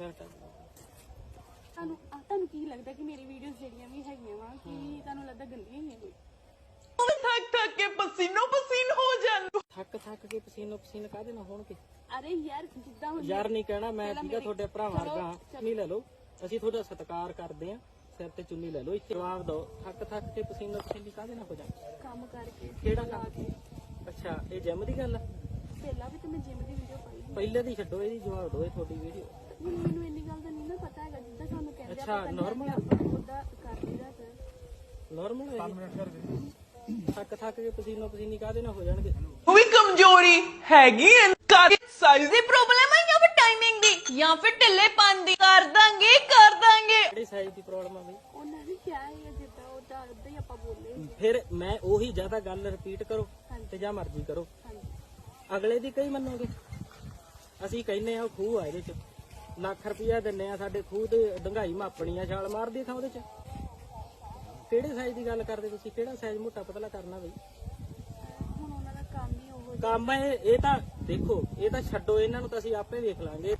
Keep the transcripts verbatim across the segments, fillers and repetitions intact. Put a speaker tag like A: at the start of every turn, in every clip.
A: ਤੁਹਾਨੂੰ ਤੁਹਾਨੂੰ ਕੀ ਲੱਗਦਾ ਕਿ ਮੇਰੀ ਵੀਡੀਓਜ਼ ਜਿਹੜੀਆਂ ਵੀ ਹੈਗੀਆਂ ਵਾ ਕਿ ਤੁਹਾਨੂੰ ਲੱਗਦਾ ਗੰਦੀਆਂ ਹੀ ਆ ਕੋਈ?
B: ਥੱਕ ਥੱਕ ਕੇ ਪਸੀਨੋ ਪਸੀਨ ਹੋ ਜਾਂਦੇ।
C: ਥੱਕ ਥੱਕ ਕੇ ਪਸੀਨੋ ਪਸੀਨ ਕਾਹਦੇ ਨਾਲ ਹੋਣਗੇ?
A: ਅਰੇ ਯਾਰ ਜਿੱਦਾਂ ਹੁਣ
C: ਯਾਰ ਨਹੀਂ ਕਹਿਣਾ ਮੈਂ ਠੀਕਾ ਤੁਹਾਡੇ ਭਰਾ ਵਰਗਾ ਨਹੀਂ ਲੈ ਲਓ ਅਸੀਂ ਤੁਹਾਡਾ ਸਤਿਕਾਰ ਕਰਦੇ ਆ ਸਿਰ ਤੇ ਚੁੰਨੀ ਲੈ ਲਓ ਇੱਥੇ ਜਵਾਬ ਦਿਓ ਥੱਕ ਥੱਕ ਕੇ ਪਸੀਨੋ ਪਸੀਨੀ ਕਾਹਦੇ ਨਾਲ ਹੋ ਜਾਂਦੇ?
A: ਕੰਮ ਕਰਕੇ
C: ਕਿਹੜਾ ਕੰਮ? ਅੱਛਾ ਇਹ ਜਿਮ ਦੀ ਗੱਲ ਆ?
A: ਪਹਿਲਾਂ ਵੀ ਤੇ ਮੈਂ ਜਿਮ ਦੀ ਵੀਡੀਓ ਪਾਈ ਸੀ।
C: ਪਹਿਲੇ ਦੀ ਛੱਡੋ ਇਹਦੀ ਜਵਾਬ ਦਿਓ ਇਹ ਤੁਹਾਡੀ ਵੀਡੀਓ।
A: ਹੁਣ ਮੈਨੂੰ ਇੰਨੀ ਗੱਲ ਦਾ ਨਹੀਂ ਨਾ ਪਤਾ ਹੈਗਾ ਜਿੱਦਾਂ ਸਾਨੂੰ ਕਹਿੰਦੇ
C: ਅੱਛਾ ਨਾਰਮਲ
A: ਉਹਦਾ ਕਰ ਲਈਦਾ ਸਰ।
C: ਨਾਰਮਲ ਹੈ ਥੱਕ ਥੱਕ ਕੇ ਪਸੀਨੋ ਪਸੀਨੀ ਕਾਹਦੇ ਨਾਲ ਹੋ ਜਾਣਗੇ?
B: ਉਹ ਵੀ ਕਮਜ਼ੋਰੀ ਹੈਗੀ ਐ ਸਾਈਜ਼ ਦੀ ਪ੍ਰੋਬਲਮ ਹੈ ਜਾਂ ਫਿਰ ਟਾਈਮਿੰਗ ਦੀ ਜਾਂ ਫਿਰ ਢਿੱਲੇਪਨ ਦੀ? ਕਰ ਦਾਂਗੇ ਕਰ ਦਾਂਗੇ।
C: ਕਿਹੜੀ ਸਾਈਜ਼ ਦੀ ਪ੍ਰੋਬਲਮ ਆ ਬਈ?
A: ਉਹਨਾਂ ਨੇ ਕਿਹਾ ਹੈ ਜਿੱਦਾਂ ਉਹਦਾ ਉਦਾਂ ਹੀ ਆਪਾਂ ਬੋਲੇ।
C: ਫਿਰ ਮੈਂ ਉਹੀ ਜ਼ਿਆਦਾ ਗੱਲ ਰਿਪੀਟ ਕਰੋ ਤੇ ਜਾਂ ਮਰਜ਼ੀ ਕਰੋ ਅਗਲੇ ਦੀ ਕਈ ਮੰਨੋਗੇ? ਅਸੀਂ ਕਹਿੰਨੇ ਆ ਖੂਹ ਆ ਇਹਦੇ ਚ ਲੱਖ ਰੁਪਇਆ ਦਿੰਨੇ ਆ ਸਾਡੇ ਖੂਹ ਤੇ ਡੰਗਾਈ ਮਾਪਣੀ ਆ ਛਾਲ ਮਾਰਦੀ ਥਾਂ ਉਹਦੇ ਚ। ਕਿਹੜੇ ਸਾਈਜ਼ ਦੀ ਗੱਲ ਕਰਦੇ ਤੁਸੀਂ? ਕਿਹੜਾ ਸਾਈਜ਼ ਮੋਟਾ ਪਤਲਾ ਕਰਨਾ ਬਈ?
A: ਹੁਣ ਉਹਨਾਂ ਦਾ ਕੰਮ ਹੀ ਉਹ
C: ਕੰਮ ਹੈ ਇਹ ਤਾਂ ਦੇਖੋ ਇਹ ਤਾਂ ਛੱਡੋ ਇਹਨਾਂ ਨੂੰ ਤਾਂ ਅਸੀਂ ਆਪੇ ਦੇਖ ਲਾਂਗੇ।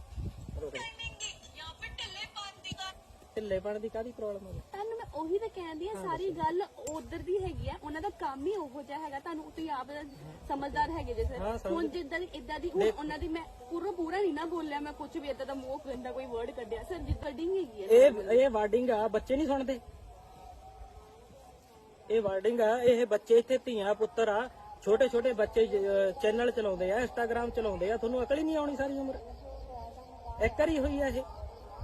C: ਢਿੱਲੇਪਣ ਦੀ ਕਾਹਦੀ ਪ੍ਰੋਬਲਮ ਹੈ?
A: ਤੁਹਾਨੂੰ ਮੈਂ ਉਹੀ ਤਾਂ ਕਹਿੰਦੀ ਆ ਸਾਰੀ ਗੱਲ ਉਧਰ ਦੀ ਹੈਗੀ ਆ ਉਹਨਾਂ ਦਾ ਕੰਮ ਹੀ ਉਹੋ ਜਿਹਾ ਹੈਗਾ। ਤੁਹਾਨੂੰ ਤੁਸੀਂ ਆਪ ਸਮਝਦਾਰ ਹੈਗੇ ਜੇ ਸਰ। ਹੁਣ ਜਿੱਦਾਂ ਦੀ ਇਦਾਂ ਦੀ ਹੁਣ ਉਹਨਾਂ ਦੀ ਮੈਂ ਪੂਰਾ ਪੂਰਾ ਨਹੀਂ ਨਾ ਬੋਲਿਆ ਮੈਂ ਕੁਝ ਵੀ ਇਦਾਂ ਦਾ ਮੂੰਹ ਗੰਦਾ ਕੋਈ ਵਰਡ ਕੱਢਿਆ ਸਰ ਜਿੱਦਾਂ ਡਿੰਗ ਹੈਗੀ ਆ
C: ਇਹ ਇਹ ਵਾਰਡਿੰਗ ਆ ਬੱਚੇ ਨਹੀਂ ਸੁਣਦੇ। ਇਹ ਵਾਰਡਿੰਗ ਆ ਇਹ ਬੱਚੇ ਇੱਥੇ ਧੀਆਂ ਪੁੱਤਰ ਆ ਛੋਟੇ ਛੋਟੇ ਬੱਚੇ ਚੈਨਲ ਚਲਾਉਂਦੇ ਆ ਇੰਸਟਾਗ੍ਰਾਮ ਚਲਾਉਂਦੇ ਆ ਤੁਹਾਨੂੰ ਅਕਲ ਹੀ ਨਹੀਂ ਆਉਣੀ ਸਾਰੀ ਉਮਰ ਇੱਕ ਵਾਰੀ ਹੋਈ ਆ ਇਹ।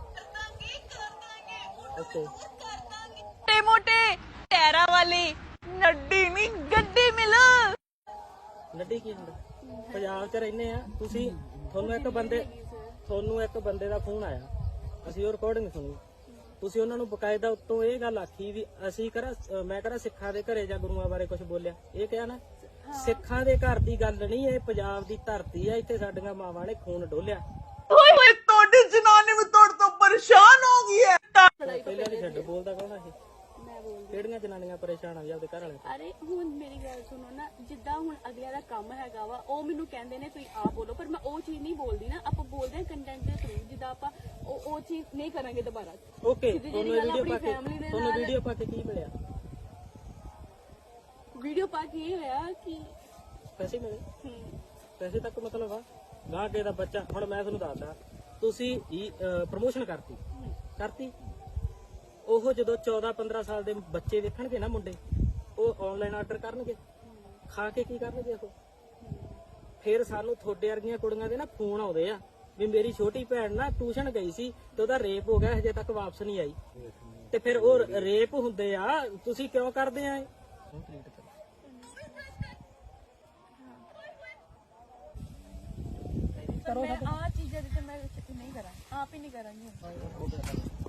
C: ਓਕੇ
B: ਮੋਟੇ ਮੋਟੇ ਟੈਰਾ ਵਾਲੀ ਨੱਡੀ ਨਹੀਂ ਗੱਡੀ ਮਿਲ।
C: ਨੱਡੀ ਕੀ ਹੁੰਦਾ? ਪੰਜਾਬ 'ਚ ਰਹਿੰਦੇ ਆ ਤੁਸੀਂ ਤੁਹਾਨੂੰ ਇੱਕ ਬੰਦੇ ਤੁਹਾਨੂੰ ਇੱਕ ਬੰਦੇ ਦਾ ਫੋਨ ਆਇਆ ਅਸੀਂ ਉਹ ਰਿਕਾਰਡਿੰਗ ਸੁਣੀ ਤੁਸੀਂ ਉਹਨਾਂ ਨੂੰ ਬਕਾਇਦਾ ਉੱਤੋਂ ਇਹ ਗੱਲ ਆਖੀ ਵੀ ਅਸੀਂ ਕਰਾ ਮੈਂ ਕਰਾ ਸਿੱਖਾਂ ਦੇ ਘਰੇ ਜਾਂ ਗੁਰੂਆਂ ਬਾਰੇ ਕੁਝ ਬੋਲਿਆ ਇਹ ਕਿਹਾ ਨਾ? ਸਿੱਖਾਂ ਦੇ ਘਰ ਦੀ ਗੱਲ ਨਹੀਂ ਇਹ ਪੰਜਾਬ ਦੀ ਧਰਤੀ ਆ ਇੱਥੇ ਸਾਡੀਆਂ ਮਾਵਾਂ ਨੇ ਖੂਨ ਡੋਲਿਆ।
B: ਓਏ ਹੋਏ ਤੁਹਾਡੀ ਜਨਾਨੀ ਵੀ ਤੁਹਾਡੇ ਤੋਂ ਪਰੇਸ਼ਾਨ ਹੋ ਗਈ ਹੈ।
C: ਪਹਿਲਾਂ ਦੀ ਛੱਡ ਬੋਲਦਾ ਕੌਣ ਆ ਇਹ?
A: ਮੈਂ ਬੋਲਦੀ
C: ਕਿਹੜੀਆਂ ਜਨਾਨੀਆਂ ਪਰੇਸ਼ਾਨ ਆ ਜੀ ਆਪਦੇ ਘਰ ਵਾਲੇ?
A: ਅਰੇ ਹੁਣ ਮੇਰੀ ਗੱਲ ਸੁਣੋ ਨਾ ਜਿੱਦਾਂ ਹੁਣ ਅਗਲਿਆਂ ਦਾ ਕੰਮ ਹੈਗਾ ਵਾ ਉਹ ਮੈਨੂੰ ਕਹਿੰਦੇ ਨੇ ਤੁਸੀਂ ਆਪ ਬੋਲੋ ਪਰ ਮੈਂ ਉਹ ਚੀਜ਼ ਨਹੀਂ ਬੋਲਦੀ ਨਾ। ਆਪਾਂ ਬੋਲਦੇ ਹਾਂ ਕੰਟੈਂਟ ਦੇ ਥਰੂ ਜਿੱਦਾਂ ਆਪਾਂ ਉਹ ਉਹ ਚੀਜ਼ ਨਹੀਂ ਕਰਾਂਗੇ ਦੁਬਾਰਾ।
C: ਓਕੇ ਤੁਹਾਨੂੰ ਵੀਡੀਓ ਪਾ ਕੇ ਤੁਹਾਨੂੰ ਵੀਡੀਓ ਪਾ ਕੇ ਕੀ ਮਿਲਿਆ?
A: ਵੀਡੀਓ ਪਾ ਕੇ ਇਹ ਹੋਇਆ ਕਿ
C: ਪੈਸੇ ਮਿਲੇ?
A: ਹੂੰ
C: ਪੈਸੇ ਤੱਕ ਮਤਲਬ ਆ ਗਾਂ ਕੇ ਦਾ ਬੱਚਾ ਹੁਣ ਮੈਂ ਤੁਹਾਨੂੰ ਦੱਸਦਾ ਤੁਸੀਂ ਪ੍ਰਮੋਸ਼ਨ ਕਰਤੀ ਕਰਤੀ ਉਹ ਜਦੋਂ ਚੌਦਾਂ ਪੰਦਰਾਂ ਸਾਲ ਦੇ ਬੱਚੇ ਵੇਖਣਗੇ ਨਾ ਮੁੰਡੇ ਉਹ ਆਨਲਾਈਨ ਆਰਡਰ ਕਰਨਗੇ ਖਾ ਕੇ ਕੀ ਕਰਨਗੇ ਉਹ ਫਿਰ ਸਾਨੂੰ ਤੁਹਾਡੇ ਵਰਗੀਆਂ ਕੁੜੀਆਂ ਦੇ ਨਾ ਫੋਨ ਆਉਂਦੇ ਆ ਵੀ ਮੇਰੀ ਛੋਟੀ ਭੈਣ ਨਾ ਟਿਊਸ਼ਨ ਗਈ ਸੀ ਤੇ ਉਹਦਾ ਰੇਪ ਹੋ ਗਿਆ ਹਜੇ ਤੱਕ ਵਾਪਸ ਨਹੀਂ ਆਈ ਤੇ ਫਿਰ ਉਹ ਰੇਪ ਹੁੰਦੇ ਆ ਤੁਸੀਂ ਕਿਉਂ ਕਰਦੇ ਆ ਇਹ?
A: ਮੈਂ ਆ ਚੀਜ਼ਾਂ ਜਿੱਥੇ ਮੈਂ ਨਹੀਂ ਕਰਾਂ ਆਪ ਹੀ ਨਹੀਂ ਕਰਾਂਗੀ।